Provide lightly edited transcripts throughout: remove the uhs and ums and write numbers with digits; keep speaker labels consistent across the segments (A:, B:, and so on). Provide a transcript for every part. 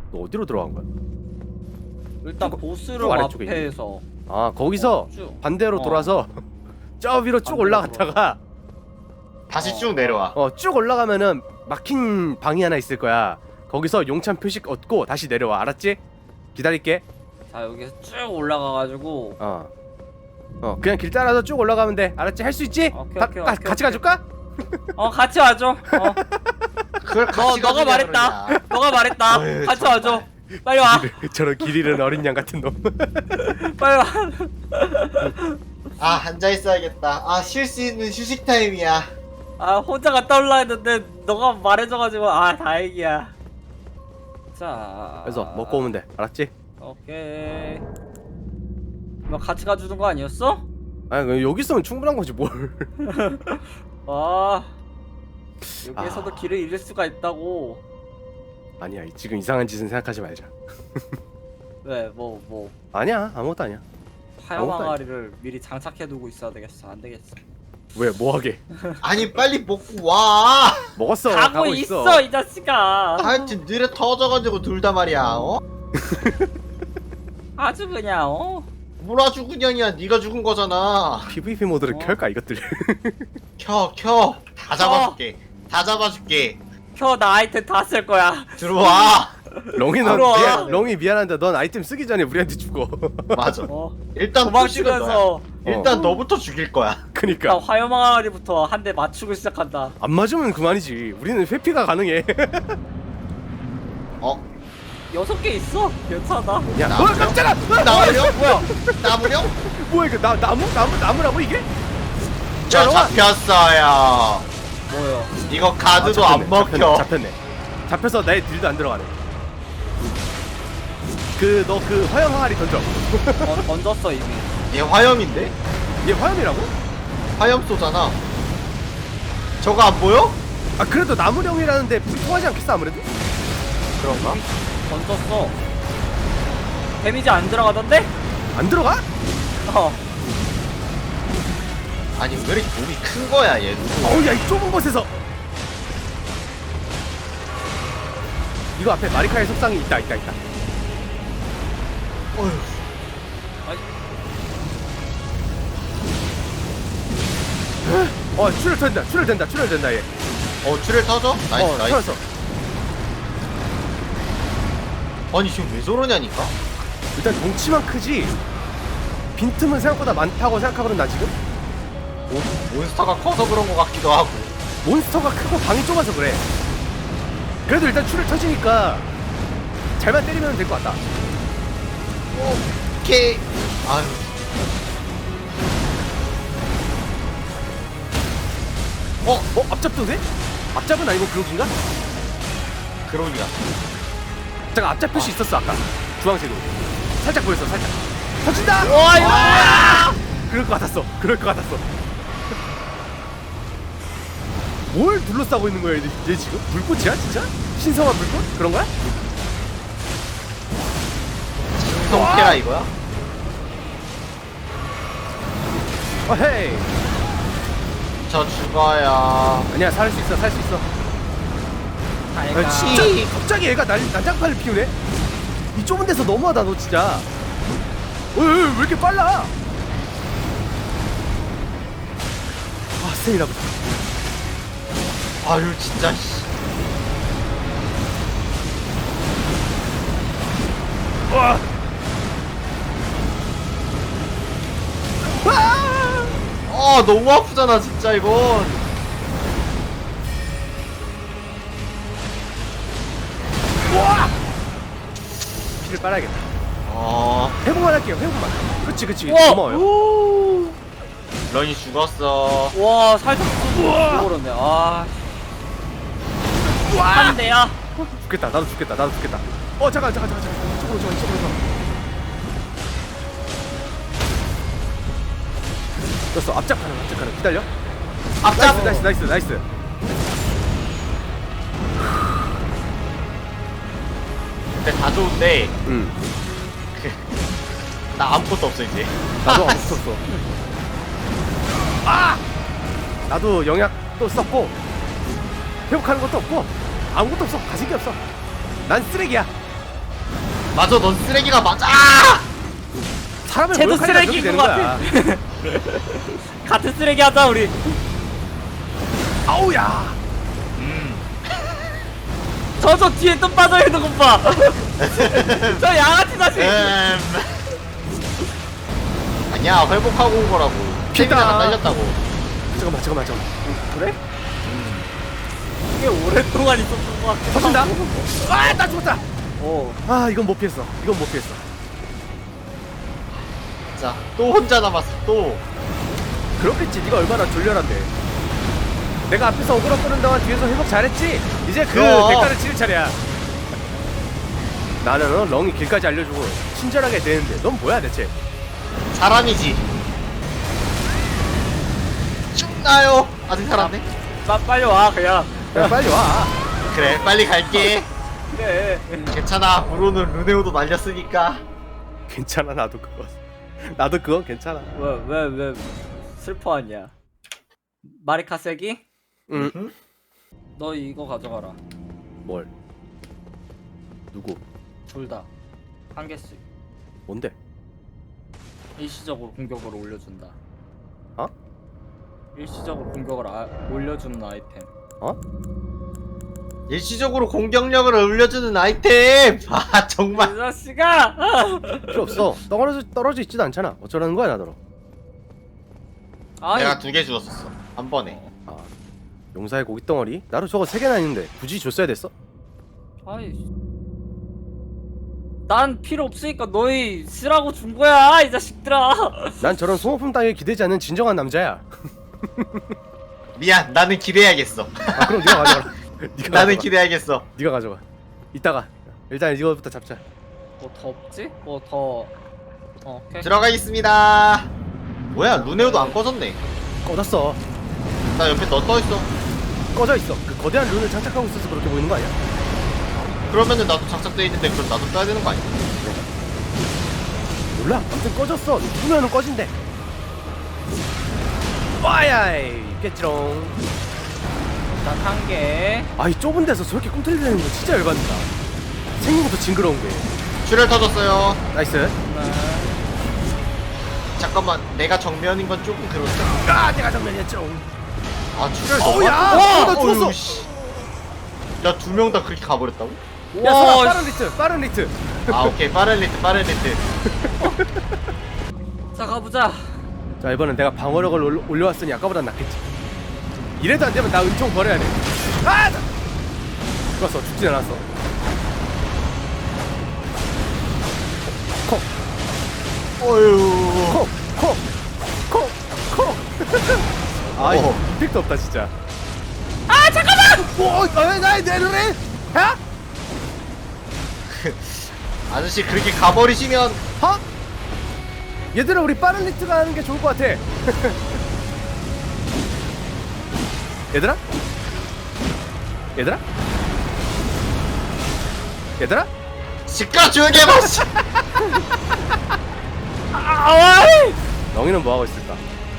A: 너 어디로 들어간 거야?
B: 일단
A: 쭉,
B: 보스룸
A: 쭉 아래쪽에
B: 앞에서
A: 아 거기서
B: 쭉.
A: 반대로 돌아서 저 위로 쭉
B: 반대로
A: 올라갔다가
C: 다시 쭉 내려와.
A: 쭉 올라가면은 막힌 방이 하나 있을 거야. 거기서 용찬 표식 얻고 다시 내려와. 알았지? 기다릴게.
B: 자 여기서 쭉 올라가가지고
A: 그냥 길 따라서 쭉 올라가면 돼. 알았지? 할 수 있지?
B: 오케이, 오케이, 오케이,
A: 같이
B: 오케이.
A: 가줄까?
B: 같이 와줘.
C: 그걸 같이
B: 너가
C: 가주냐,
B: 말했다.
C: 그러냐.
B: 너가 말했다.
C: 어휴,
B: 같이
C: 정말.
B: 와줘. 빨리 와.
A: 저런 길 잃은 어린 양 같은 놈.
B: 빨리 와.
C: 아 앉아 있어야겠다. 아 쉴 수 있는 휴식 타임이야.
B: 아 혼자 갔다 올라 했는데 너가 말해줘가지고 다행이야. 자.
A: 그래서 먹고 오면 돼. 알았지?
B: 오케이. 너 같이 가주는 거 아니었어?
A: 아니 여기 있으면 충분한 거지 뭘.
B: 아 여기에서도
A: 아.
B: 길을 잃을 수가 있다고.
A: 아니야 지금 이상한 짓은 생각하지 말자.
B: 왜 뭐
A: 아니야 아무것도 아니야.
B: 하얀
A: 아무것도
B: 항아리를 미리 장착해두고 있어야 되겠어. 안 되겠어.
A: 왜 뭐하게?
C: 아니 빨리 먹고 와.
A: 먹었어.
B: 가고 있어 이 자식아.
C: 하여튼 느려 터져가지고 둘 다 말이야.
B: 아주 그냥
C: 뭐라 죽은 년이야. 네가 죽은 거잖아.
A: PVP 모드를 켤까 이것들.
C: 켜. 다 잡아줄게. 다 잡아줄게.
B: 나 아이템 다 쓸 거야.
C: 들어와.
A: 렁이
B: 들어와.
A: 렁이 미안한데 넌 아이템 쓰기 전에 우리한테 죽어.
C: 맞아. 일단
B: 도망치면서
C: 일단 너부터 죽일 거야.
A: 그니까
B: 나 화염 항아리부터 한 대 맞추고 시작한다.
A: 안 맞으면 그만이지. 우리는 회피가 가능해.
B: 6개 있어. 괜찮아.
A: 야,
C: 나무령?
A: 깜짝아!
C: 나무령?
B: 뭐야?
C: 나무령?
A: 뭐야 이거 나무라고 이게?
C: 저
A: 야,
C: 잡혔어요.
B: 뭐야?
C: 이거 가드도 안 먹혀.
A: 잡혔네. 잡혀서 내 딜도 안 들어가네. 너 화염 항아리 던져.
B: 던졌어 이미.
C: 얘 화염인데?
A: 얘 화염이라고?
C: 화염 쏘잖아. 저거 안 보여?
A: 아 그래도 나무령이라는데 불 통하지 않겠어 아무래도?
C: 그런가?
B: 던졌어. 데미지 안 들어가던데?
A: 안 들어가?
C: 아니 왜 이렇게 몸이 큰 거야 얘.
A: 어우 야 이 좁은 곳에서 이거 앞에 마리카의 속상이 있다.
C: 어휴.
A: 출혈된다 얘.
C: 출혈 터져? 나이스 나이스.
A: 터졌어.
C: 아니 지금 왜 저러냐니까?
A: 일단 덩치만 크지 빈틈은 생각보다 많다고 생각하거든 나 지금.
C: 몬스터가 커서 그런 거 같기도 하고.
A: 몬스터가 크고 방이 좁아서 그래. 그래도 일단 출혈 터지니까 잘만 때리면 될 것 같다.
C: 오케이. 아유.
A: 앞잡도 돼? 앞잡은 아니고 그룹인가?
C: 그러기야.
A: 잠깐 앞잡 표시 있었어 아까 주황색으로 살짝 보였어 살짝. 터진다!
C: 와
A: 그럴 것 같았어. 뭘 둘러싸고 있는 거야 얘 지금? 불꽃이야 진짜? 신성한 불꽃? 그런 거야?
C: 성태라 이거야?
A: 헤이.
C: 저 죽어요.
A: 아니야 살 수 있어. 아, 진짜 갑자기 얘가 난장판을 피우네? 이 좁은 데서 너무하다 너 진짜. 왜 이렇게 빨라? 스테미나 보자.
C: 아유 진짜 씨.
A: 와!
C: 너무 아프잖아 진짜 이건.
A: 피를 빨아야겠다.
C: 어.
A: 회복만 할게요. 회복만. 그치.
B: 우와!
A: 고마워요.
C: 런이 죽었어.
B: 와 살짝 죽어버렸네. 한 대야.
A: 죽겠다. 나도 죽겠다. 잠깐. 이쪽으로 줘. 됐어. 앞잡 가능. 기다려.
C: 앞잡.
A: 나이스.
C: 근데 다 좋은데
A: 응.
C: 나 아무것도 없어 이제.
A: 나도 아무것도 없어. 나도 영약도 썼고 회복하는 것도 없고 아무것도 없어. 가진 게 없어. 난 쓰레기야.
C: 맞아, 넌 쓰레기가 맞아.
A: 사람을
B: 쟤도
A: 모욕하니까 그렇게
B: 쓰레기인
A: 되는
B: 것
A: 거야.
B: 같은 쓰레기 하자 우리.
A: 아우야.
B: 저 뒤에 또 빠져 있는 것 봐. 저 양아치 자식.
C: 아니야, 회복하고 온 거라고. 피비나가 딸렸다고.
A: 잠깐만.
B: 그래? 이게 오랫동안 있었던 것 같아.
A: 터진다. 아, 나 죽었다.
B: 오.
A: 아, 이건 못 피했어.
C: 자, 또 혼자 남았어. 또.
A: 그렇겠지. 네가 얼마나 졸렬한데. 내가 앞에서 오그라 끄는 동안 뒤에서 회복 잘했지. 이제 그
C: 그럼.
A: 대가를 치를 차례야. 나는 렁이 길까지 알려주고 친절하게 대는데 넌 뭐야 대체?
C: 사람이지. 죽나요? 아직 살았네.
B: 빨리 와 그냥.
A: 야, 빨리 와.
C: 그래, 빨리 갈게.
B: 그래.
C: 괜찮아. 브로는 루네오도 날렸으니까.
A: 괜찮아. 나도 그건 괜찮아.
B: 왜 슬퍼하냐? 마리카 세기?
A: 응.
B: 너 이거 가져가라.
A: 뭘? 누구?
B: 둘 다. 한 개씩.
A: 뭔데?
B: 일시적으로 공격을 올려준다.
A: 어?
B: 일시적으로 공격을 올려주는 아이템.
A: 어?
C: 일시적으로 공격력을 올려주는 아이템. 아, 정말.
B: 이 자식아!
A: 필요 없어. 떨어져 있지도 않잖아. 어쩌라는 거야 나더러.
B: 아니,
C: 내가 2개 주었었어. 한 번에.
A: 아, 용사의 고깃 덩어리? 나도 저거 3개나 있는데 굳이 줬어야 됐어?
B: 아이. 난 필요 없으니까 너희 쓰라고 준 거야, 이 자식들아.
A: 난 저런 소모품 따위에 기대지 않는 진정한 남자야.
C: 미안, 나는 기대해야겠어.
A: 아, 그럼 네가 가져가. 네가
C: 나는
A: 가져가.
C: 기대해야겠어.
A: 네가 가져가. 이따가 일단 이거부터 잡자.
B: 뭐 더 없지? 뭐 더. 오케이.
C: 들어가겠습니다. 뭐야, 루네오도 안 꺼졌네.
A: 꺼졌어.
C: 나 옆에 너 떠있어.
A: 꺼져 있어. 그 거대한 룬을 장착하고 있어서 그렇게 보이는 거 아니야?
C: 그러면은 나도 장착돼 있는데 그럼 나도 떠야 되는 거 아니야?
A: 몰라. 아무튼 꺼졌어. 누르면은 꺼진대. 와야이 있겠지롱.
B: 일단 한 개.
A: 아이 좁은 데서 저렇게 꿈틀대는 거 진짜 열받는다. 생긴 것도 징그러운 게.
C: 출혈 터졌어요.
A: 나이스.
B: 네.
C: 잠깐만, 내가 정면인 건 조금 그렇다.
A: 아, 내가 정면이었지롱.
C: 아, 출혈 너무
A: 어우야!
C: 많다.
A: 나 죽었어!
C: 어휴, 씨. 야, 2명 다 그렇게 가버렸다고?
A: 야,
B: 와,
A: 설아, 빠른 리트.
C: 아, 오케이. 빠른 리트.
B: 자, 가보자.
A: 자, 이번엔 내가 방어력을 올려왔으니 아까보단 낫겠지. 이래도 안 되면 나 은총 버려야 돼. 아! 좋았어. 죽진 않았어. 콕,
C: 어휴.
A: 콕. 아, 이거
C: 어.
A: 임팩트 없다 진짜.
B: 아, 잠깐만!
A: 오, 내 눈에? 야?
C: 아저씨, 그렇게 가버리시면.
A: 하? 얘들아, 우리 빠른 리트가 하는 게 좋을 것 같아. 얘들아?
C: 시끄러 조용히 해봐, 씨.
B: 아이!
A: 너희는 뭐하고 있을까?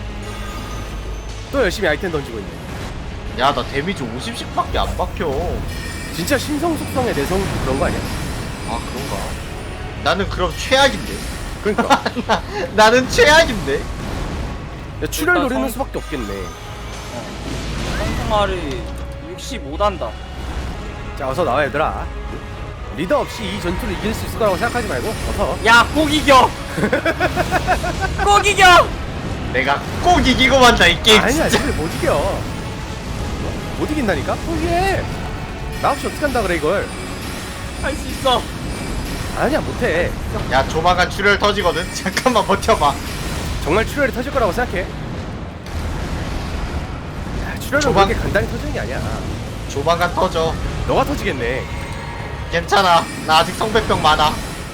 A: 또 열심히 아이템 던지고 있네.
C: 야, 나 데미지 50씩밖에 안 박혀.
A: 진짜 신성 속성의 내성 그런 거 아니야?
C: 아, 그런가? 나는 그럼 최악인데.
A: 그러니까.
C: 나는 최악인데.
A: 야, 출혈
B: 일단
A: 노리는
B: 성-
A: 수밖에 없겠네.
B: 성공알이 60 못한다.
A: 자, 어서 나와 얘들아. 리더 없이 이 전투를 이길 수 있을 거라고 생각하지 말고 어서.
B: 야, 꼭 이겨! 꼭 이겨!
C: 내가 꼭 이기고 만다, 이 게임.
A: 아니야,
C: 진짜.
A: 이걸 못 이겨. 못 이긴다니까? 포기해. 나 없이 어떻게 한다 그래 이걸.
B: 할 수 있어.
A: 아니야, 못해.
C: 야, 조만간 출혈 터지거든. 잠깐만 버텨봐.
A: 정말 출혈이 터질 거라고 생각해. 야, 출혈은 그렇게 간단히 터지는 게 아니야.
C: 조만간 터져.
A: 너가 터지겠네.
C: 괜찮아. 나 아직 성배병 많아.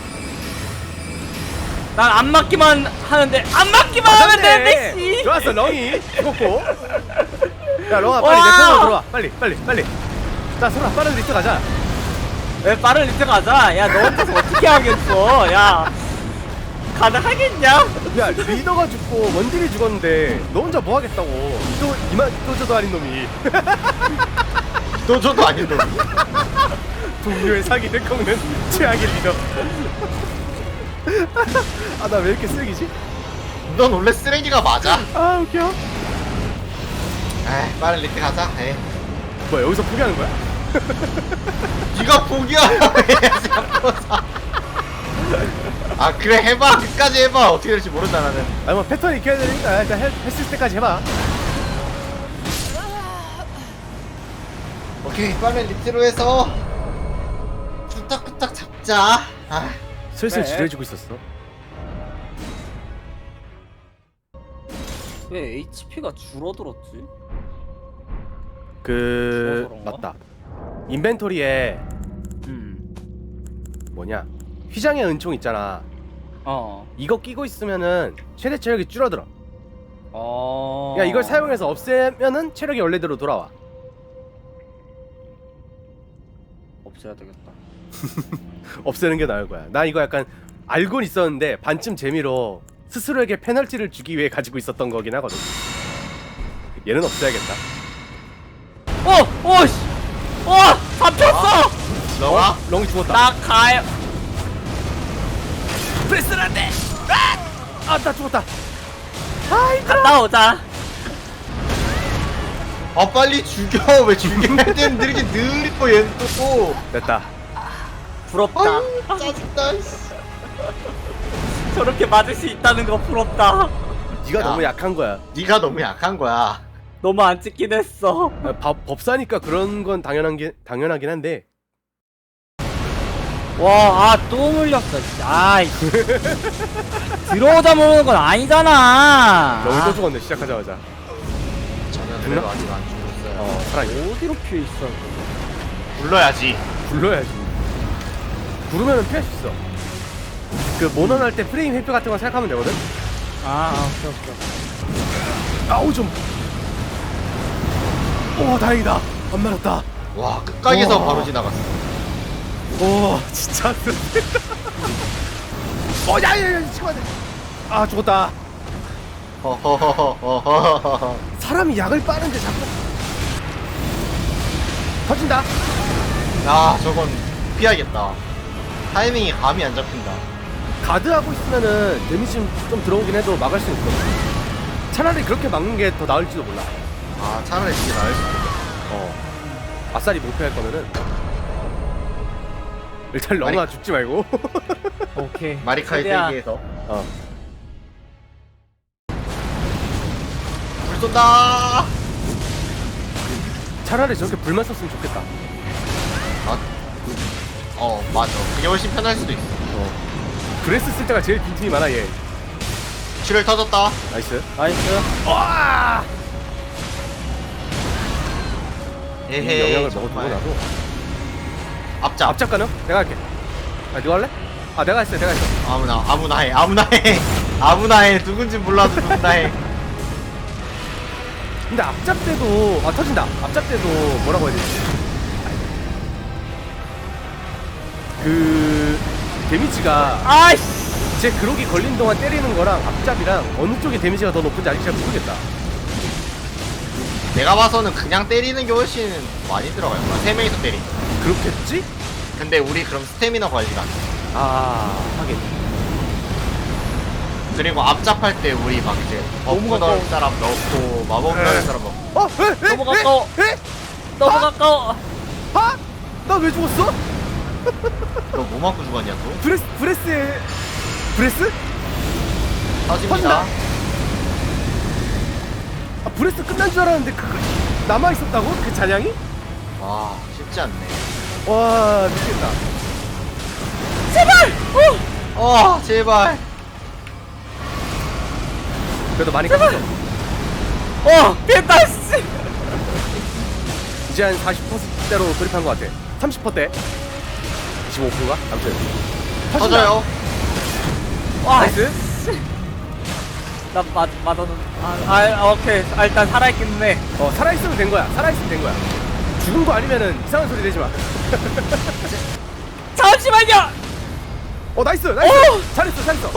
B: 난 안 맞기만 하는데 안 맞기만 하면 되는데 씨.
A: 좋았어, 렁이 죽었고. 야, 렁아, 빨리
B: 와!
A: 내 편으로 들어와. 빨리. 자, 소라, 빠른 리트 가자.
B: 왜 빠른 리트 가자. 야, 너 혼자서 어떻게 하겠어? 야, 가능하겠냐?
A: 야, 리더가 죽고 원딜이 죽었는데 너 혼자 뭐 하겠다고. 이도저도 아닌 놈이.
C: 너저도 아닌 놈.
A: 동료의 사기를 꺾는 최악의 리더. 아, 나 왜 이렇게 쓰레기지?
C: 넌 원래 쓰레기가 맞아.
A: 아, 웃겨.
C: 에이, 빠른 리트 가자. 에이.
A: 뭐야, 여기서 포기하는 거야?
C: 네가 포기하라고 해야지 앞서서. 아 그래 해봐. 끝까지 해봐. 어떻게 될지 모른다 나는.
A: 아니, 뭐 패턴이 익혀야 되니까 일단 했을 때까지 해봐.
C: 오케이 빠른 리트로 해서 뚝딱뚝딱 잡자. 아
A: 슬슬
B: 그래.
A: 지루해지고 있었어.
B: 왜 HP가 줄어들었지?
A: 그...
B: 그런가?
A: 맞다. 인벤토리에 뭐냐, 휘장의 은총 있잖아.
B: 어.
A: 이거 끼고 있으면은 최대 체력이 줄어들어.
B: 어.
A: 야, 이걸 사용해서 없애면은 체력이 원래대로 돌아와.
B: 없애야 되겠다.
A: 없애는 게 나을 거야. 나 이거 약간 알고는 있었는데 반쯤 재미로 스스로에게 페널티를 주기 위해 가지고 있었던 거긴 하거든. 얘는 없애야겠다.
B: 어! 씨! 잡혔어!
C: 너가?
A: 렁이 죽었다.
B: 나 가요.
A: 프레스란데. 아, 나 죽었다. 아, 힘들어.
B: 갔다 오자.
C: 아 빨리 죽여. 왜 죽여야 되는 느리게 느리고 얘는 또.
A: 됐다.
B: 부럽다.
C: 아유 짜증나.
B: 저렇게 맞을 수 있다는 거 부럽다.
A: 네가
C: 야.
A: 너무 약한 거야.
C: 네가 너무 약한 거야.
B: 너무 안 찍긴 했어.
A: 법사니까 그런 건 당연하긴 한데.
B: 와, 또 물렸어. 진짜. 아이. 들어오다 모르는 건 아니잖아.
A: 렁이 또 죽었네, 시작하자마자.
C: 저는
A: 죽나?
C: 그래도 아직 안 죽었어요.
A: 살아있네.
B: 어디로 피해 있어?
C: 불러야지.
A: 굴러야지. 구르면은 피할 수 있어. 그 모넌 할 때 프레임 회피 같은 거 생각하면 되거든.
B: 오케이.
A: 아우 좀. 오, 다행이다. 안 말았다.
C: 와 끝각에서
A: 와.
C: 바로 지나갔어.
A: 오, 진짜. 야야야, 치고 안 돼. 아, 죽었다.
C: 허허허허허허.
A: 사람이 약을 빠는데 자꾸 터진다.
C: 야 저건 피하겠다. 타이밍이 감이 안 잡힌다.
A: 가드하고 있으면은 데미지 좀 들어오긴 해도 막을 수 있거든. 차라리 그렇게 막는 게 더 나을지도 몰라.
C: 아 차라리 이게 나을 수도 있겠다.
A: 아싸리 목표할 거면은 일단 렁아 죽지 말고.
B: 오케이.
C: 마리카이
B: 최대한.
C: 세계에서
A: 어.
C: 불 쏜다.
A: 차라리 저렇게 불만 썼으면 좋겠다.
C: 맞아. 그게 훨씬 편할 수도 있어.
A: 브레스 쓸 때가 제일 빈틈이 많아 얘.
C: 칠을 터졌다.
A: 나이스.
B: 나이스.
A: 와! 이
C: 에헤이.
A: 영향을 먹어두고
C: 정말.
A: 나도
C: 앞잡.
A: 앞잡 가능? 내가 할게. 아, 누가 할래? 아, 내가 했어.
C: 아무나 해. 아무나 해. 누군지 몰라도 누구나 해.
A: 근데 앞잡 때도 터진다. 앞잡 때도 뭐라고 해야 되지? 그 데미지가
B: 아이씨.
A: 제 그록이 걸린 동안 때리는 거랑 앞잡이랑 어느 쪽이 데미지가 더 높은지 아직 잘 모르겠다.
C: 내가 봐서는 그냥 때리는 게 훨씬 많이 들어갈 거야. 3명이서 때리.
A: 그렇겠지?
C: 근데 우리 그럼 스태미너 관리가 안 돼.
A: 아, 하긴.
C: 그리고 앞잡할 때 우리 막 이제
B: 너무
C: 버프 넣을
B: 가까워.
C: 사람 넣고 마법 넣을 사람 넣고.
B: 너무 가까워.
A: 에?
B: 너무 가까워.
A: 아? 나 왜 죽었어?
C: 너 뭐 맞고 죽었냐 또?
A: 브레스에 브레스?
C: 터집니다.
A: 터진다. 아, 브레스 끝난 줄 알았는데 남아 있었다고? 그 잔향이?
C: 와 쉽지 않네.
A: 와, 미치겠다.
C: 제발.
A: 그래도 많이 컸어.
B: 깼다 씨.
A: 이제 한 40%대로 돌입한 것 같아. 30%대. 25%가? 아무튼
C: 터져요.
B: 와,
A: 나이스.
B: 나 맞았는. 오케이. 일단 살아있겠네.
A: 살아있으면 된 거야. 살아있으면 된 거야. 죽은 거 아니면은 이상한 소리 내지 마.
B: 잠시만요.
A: 나이스. 잘했어.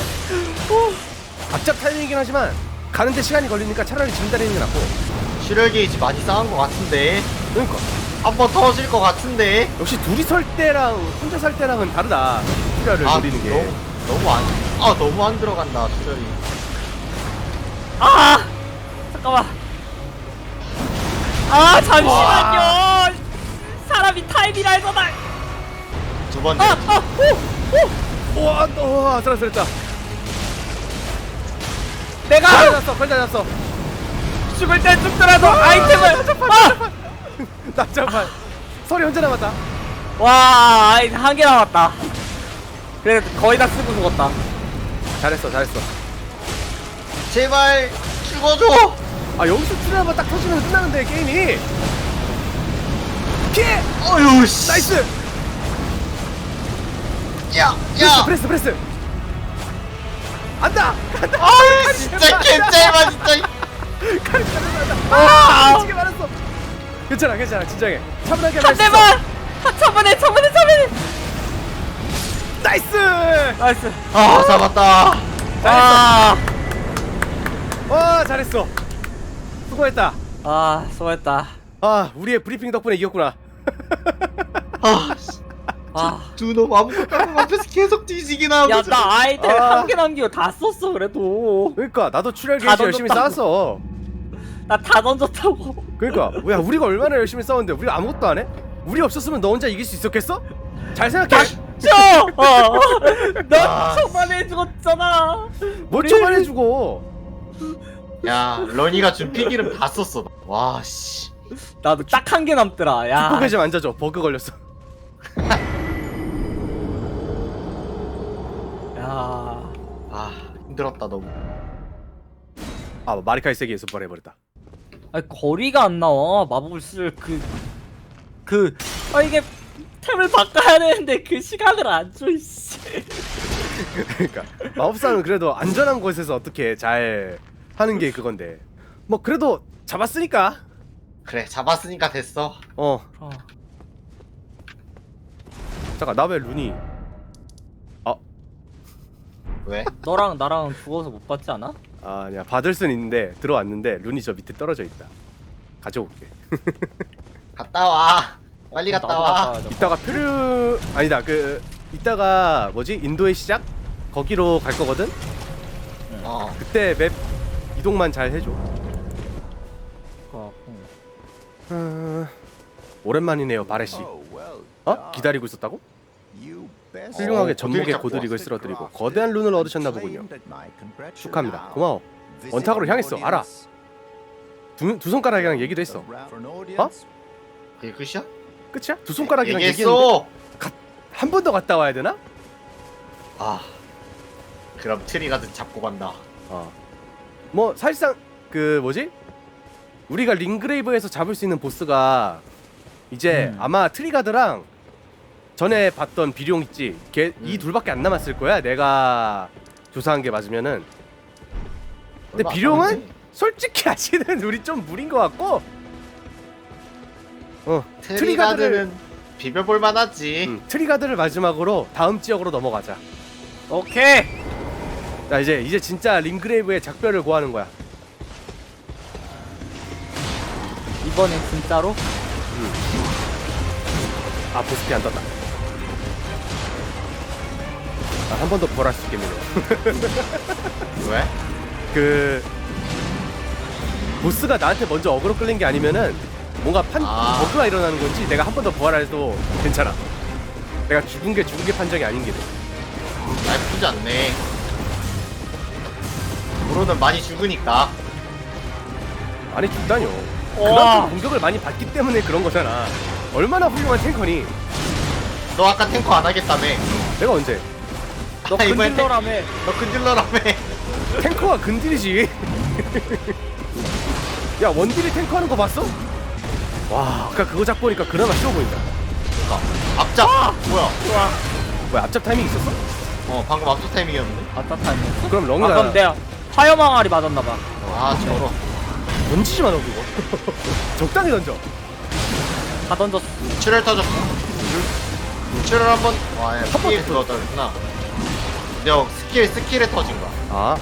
A: 앞잡 타이밍이긴 하지만 가는데 시간이 걸리니까 차라리 짐 다리는 게 낫고.
C: 출혈 게이지 많이 쌓은 것 같은데.
A: 그러니까
C: 한번 터질 것 같은데.
A: 역시 둘이 설 때랑 혼자 살 때랑은 다르다. 투자를 노리는 게.
C: 너무 안 들어간다 투절이.
B: 아 잠깐만. 아 잠시만요. 사람이 타임이랄거나.
C: 두 번째.
A: 우와, 아슬아슬했다.
B: 내가
A: 걸다 잡았어.
B: 죽을 때 죽더라도 아이템을.
A: 납작판. 설이 혼자 남았다.
B: 와 아이템 한 개 남았다. 그래 거의 다 쓰고 죽었다.
A: 잘했어.
C: 제발 죽어줘.
A: 아, 여기서 출혈 한번 딱 터지면 끝나는데, 게임이. 피해!
C: 어휴 씨.
A: 나이스!
C: 야.
A: 프레스! 안다!
C: 아유 진짜 개짤마 진짜.
A: 미치게 말았어. 괜찮아, 진정해. 차분하게
B: 한
A: 말했어.
B: 대만. 차분해.
A: 나이스!
B: 나이스.
C: 아 잡았다.
B: 아,
A: 와, 잘했어. 수고했다.
B: 아 수고했다.
A: 아, 우리의 브리핑 덕분에 이겼구나.
B: 아,
C: 두 놈 아무것도 안 하고 앞에서 계속 뒤지기나 하고.
B: 야 나 아이템
A: 아.
B: 한 개 남기고 다 썼어 그래도.
A: 그러니까 나도 출혈
B: 다
A: 게이지 열심히
B: 던졌다고.
A: 쌓았어.
B: 나 다 던졌다고.
A: 그러니까 야, 우리가 얼마나 열심히 싸웠는데 우리가 아무것도 안 해? 우리 없었으면 너 혼자 이길 수 있었겠어? 잘 생각해.
B: 너
C: 아.
B: 초반에 죽었잖아.
A: 뭐 초반에 주고.
C: 야 러니가 준 피기름 다 썼어. 와 씨.
B: 나도 딱 한 개 남더라. 야.
A: 축구계 좀 앉아줘. 버그 걸렸어.
B: 야.
C: 아 힘들었다 너무.
A: 아, 마리카이 세게 연습 해버렸다.
B: 아니 거리가 안 나와. 마법을 쓸 이게 템을 바꿔야 되는데 그 시간을 안 줘. 씨.
A: 그러니까 마법사는 그래도 안전한 곳에서 어떻게 잘 하는 게 그건데. 뭐 그래도 잡았으니까.
C: 그래 잡았으니까 됐어.
B: 어.
A: 잠깐, 나 왜 룬이?
C: 왜?
B: 너랑 나랑 죽어서 못 받지 않아?
A: 아, 아니야. 받을 순 있는데 들어왔는데 룬이 저 밑에 떨어져 있다. 가져올게.
C: 갔다 와. 빨리 갔다
B: 나도
C: 와.
B: 갔다 와야 돼.
A: 이따가 아니다. 이따가 뭐지? 인도의 시작? 거기로 갈 거거든.
C: 어.
A: 그때 맵 이동만 잘 해줘. 오랜만이네요, 바레 씨. 어? 기다리고 있었다고? 훌륭하게 전목에
C: 잡고
A: 고드릭을 쓸어드리고 거대한 룬을 얻으셨나 보군요. 축하합니다. 고마워. 원탁으로 향했어. 알아. 두 손가락이랑 얘기도 했어. 어?
C: 그게 끝이야?
A: 끝이야? 두 손가락이랑 얘기했는데
C: 얘기했어.
A: 한 번 더 갔다 와야 되나?
C: 아. 그럼 트리가드 잡고 간다.
A: 뭐 사실상 그 뭐지? 우리가 링그레이브에서 잡을 수 있는 보스가 이제 아마 트리가드랑 전에 봤던 비룡 있지? 이 둘밖에 안 남았을 거야. 내가 조사한 게 맞으면은. 근데
C: 얼마 안
A: 비룡은
C: 남았지?
A: 솔직히 아시는 우리 좀 무린 것 같고.
C: 트리가드는 비벼볼 만하지.
A: 트리가드를 마지막으로 다음 지역으로 넘어가자.
B: 오케이.
A: 자, 이제 진짜 링그레이브의 작별을 고하는 거야.
B: 이번엔 진짜로?
A: 아, 보스피 안 떴다. 아, 한 번 더 부활할 수 있겠네요.
C: 왜?
A: 그 보스가 나한테 먼저 어그로 끌린 게 아니면은 뭔가 버그가 일어나는 건지 내가 한 번 더 부활해도 괜찮아. 내가 죽은 게 판정이 아닌 게 돼.
C: 나쁘지 않네. 브로는 많이 죽으니까.
A: 아니, 죽다뇨.
B: 우와.
A: 그만큼 공격을 많이 받기 때문에 그런 거잖아. 얼마나 훌륭한 탱커니.
C: 너 아까 탱커 안 하겠다며.
A: 내가 언제?
B: 너
C: 이번엔
B: 근질러라며.
C: 너 근질러라며.
A: 탱커가 근딜이지. 야, 원딜이 탱커 하는 거 봤어? 와, 아까 그거 잡고 보니까 그나마 쉬워 보인다.
C: 그러니까 앞잡. 뭐야?
B: 좋아.
A: 뭐야, 앞잡 타이밍 있었어?
C: 방금 앞서 타이밍이었는데.
B: 아따타임이었어?
A: 그럼 렁이가
B: 그럼 내가 화염항아리 맞았나봐.
C: 아 저러.
A: 던지지 마, 너 그거. 적당히 던져.
B: 다 던졌어.
C: 출혈 터졌어. 출혈 한번. 와,
A: 번
C: 스킬 그거 터졌구나. 너 스킬에 터진 거야.
A: 아,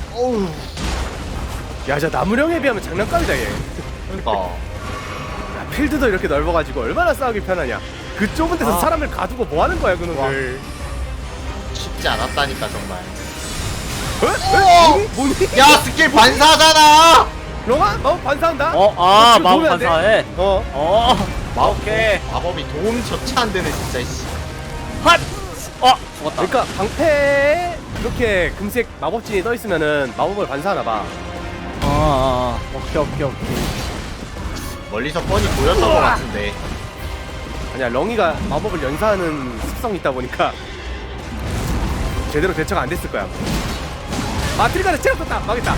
C: 어우.
A: 야, 저 나무령에 비하면 장난감이다 얘.
C: 그러니까.
A: 야, 필드도 이렇게 넓어가지고 얼마나 싸우기 편하냐. 그 좁은 데서
B: 아.
A: 사람을 가두고 뭐 하는 거야 그놈들.
C: 쉽지 않았다니까 정말.
A: 에? 뭐니?
C: 야 스킬 반사잖아.
A: 롱아? 마법 반사한다?
B: 아
A: 지금
B: 마법
A: 보면 안 돼?
B: 반사해. 오케이.
C: 마법이 도움조차 안 되네 진짜. 씨.
B: 핫. 죽었다.
A: 그러니까 방패에 이렇게 금색 마법진이 떠 있으면은 마법을 반사하나 봐.
B: 오케이.
C: 멀리서 뻔히 보였던 것 같은데.
A: 아니야, 렁이가 마법을 연사하는 습성이 있다 보니까 제대로 대처가 안 됐을 거야. 아, 트리가를 체력 떴다. 망했다.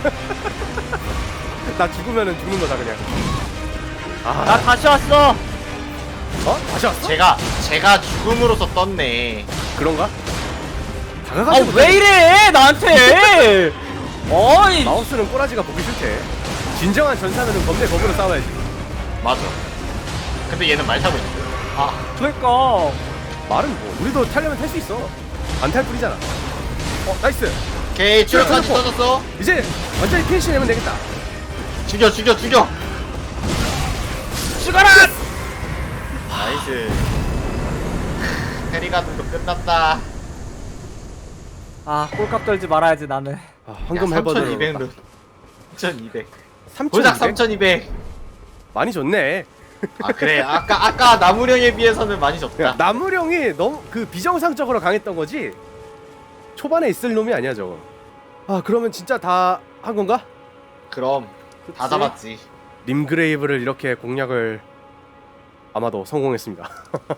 A: 나 죽으면은 죽는 거다 그냥.
B: 나
A: 아,
B: 다시 왔어.
A: 다시 왔어?
C: 제가 죽음으로써 떴네.
A: 그런가? 다가가지
B: 왜 이래 나한테? 어이.
A: 마우스는 꼬라지가 보기 싫대. 진정한 전사면은 검대 검으로 싸워야지.
C: 맞아. 근데 얘는 말 타고 있어.
B: 그러니까.
A: 말은 뭐 우리도 타려면 탈 수 있어. 안 탈 뿐이잖아. 나이스.
C: 오케이 추격까지
A: 죽였고.
C: 터졌어.
A: 이제 완전히 피니시 내면 되겠다.
C: 죽여.
B: 죽어라.
C: 나이스. 페리가든도 끝났다.
B: 꼴값 떨지 말아야지 나는.
A: 황금 해버드로
C: 3200룬. 3200.
A: 3,200?
C: 고작 3200.
A: 많이 줬네.
C: 그래. 아까 나무령에 비해서는 많이 졌다.
A: 야, 나무령이 너무 그 비정상적으로 강했던 거지. 초반에 있을 놈이 아니야 저거. 그러면 진짜 다 한 건가?
C: 그럼 다
B: 그치?
C: 잡았지.
A: 림그레이브를 이렇게 공략을 아마도 성공했습니다.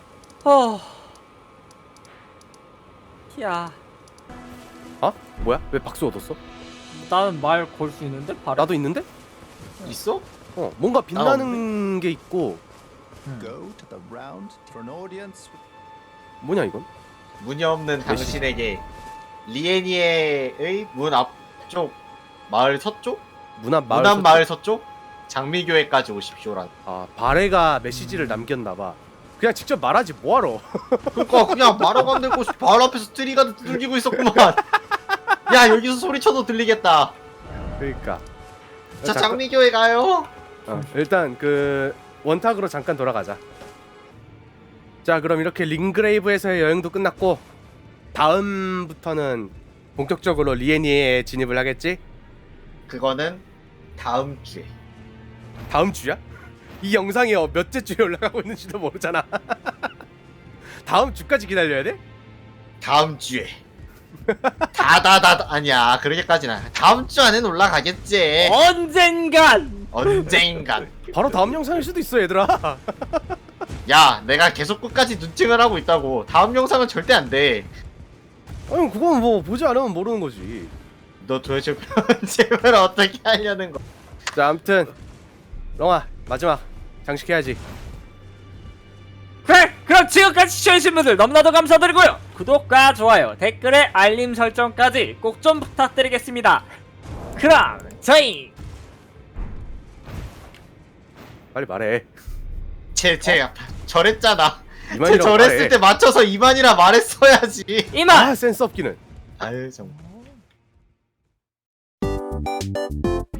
B: 야,
A: 뭐야? 왜 박수 얻었어?
B: 나는 말 걸 수 있는데 바로.
A: 나도 있는데?
C: 있어?
A: 뭔가 빛나는 게 있고.
D: Go to the round for an audience with
A: 뭐냐 이건?
C: 문이 없는 당신에게 리에니에의 문 앞쪽 마을 서쪽?
A: 문 앞 마을.
C: 문 앞 마을 서쪽? 장미교회까지 오십시오란.
A: 바레가 메시지를 남겼나봐. 그냥 직접 말하지 뭐하러.
C: 그니까 그냥 말하고 안 되고 바로 앞에서 트리가 두들기고 있었구만. 야 여기서 소리쳐도 들리겠다.
A: 그러니까.
C: 자
A: 잠깐-
C: 장미교회 가요.
A: 일단 그 원탁으로 잠깐 돌아가자. 자, 그럼 이렇게 링그레이브에서의 여행도 끝났고 다음부터는 본격적으로 리에니에 진입을 하겠지?
C: 그거는 다음 주에.
A: 다음 주야? 이 영상이 몇째 주에 올라가고 있는지도 모르잖아. 다음 주까지 기다려야 돼?
C: 다음 주에. 다다다 아니야 그렇게까지는 다음 주 안엔 올라가겠지.
B: 언젠간.
C: 언젠간.
A: 바로 다음 영상일 수도 있어 얘들아.
C: 야 내가 계속 끝까지 눈팅을 하고 있다고. 다음 영상은 절대 안 돼.
A: 아니 그건 뭐 보지 않으면 모르는 거지.
C: 너 도대체 편집을 어떻게 하려는 거?
A: 자, 아무튼 렁아 마지막 장식해야지.
B: 그래, 그럼 지금까지 시청해주신 분들 너무나도 감사드리고요. 구독과 좋아요, 댓글에 알림 설정까지 꼭 좀 부탁드리겠습니다. 그럼 저희
A: 빨리 말해.
C: 쟤 저랬잖아. 쟤
A: 이만이라고
C: 저랬을
A: 말해.
C: 때 맞춰서 이만이라 말했어야지.
B: 이만.
C: 아,
A: 센스 없기는.
C: 아유 정말.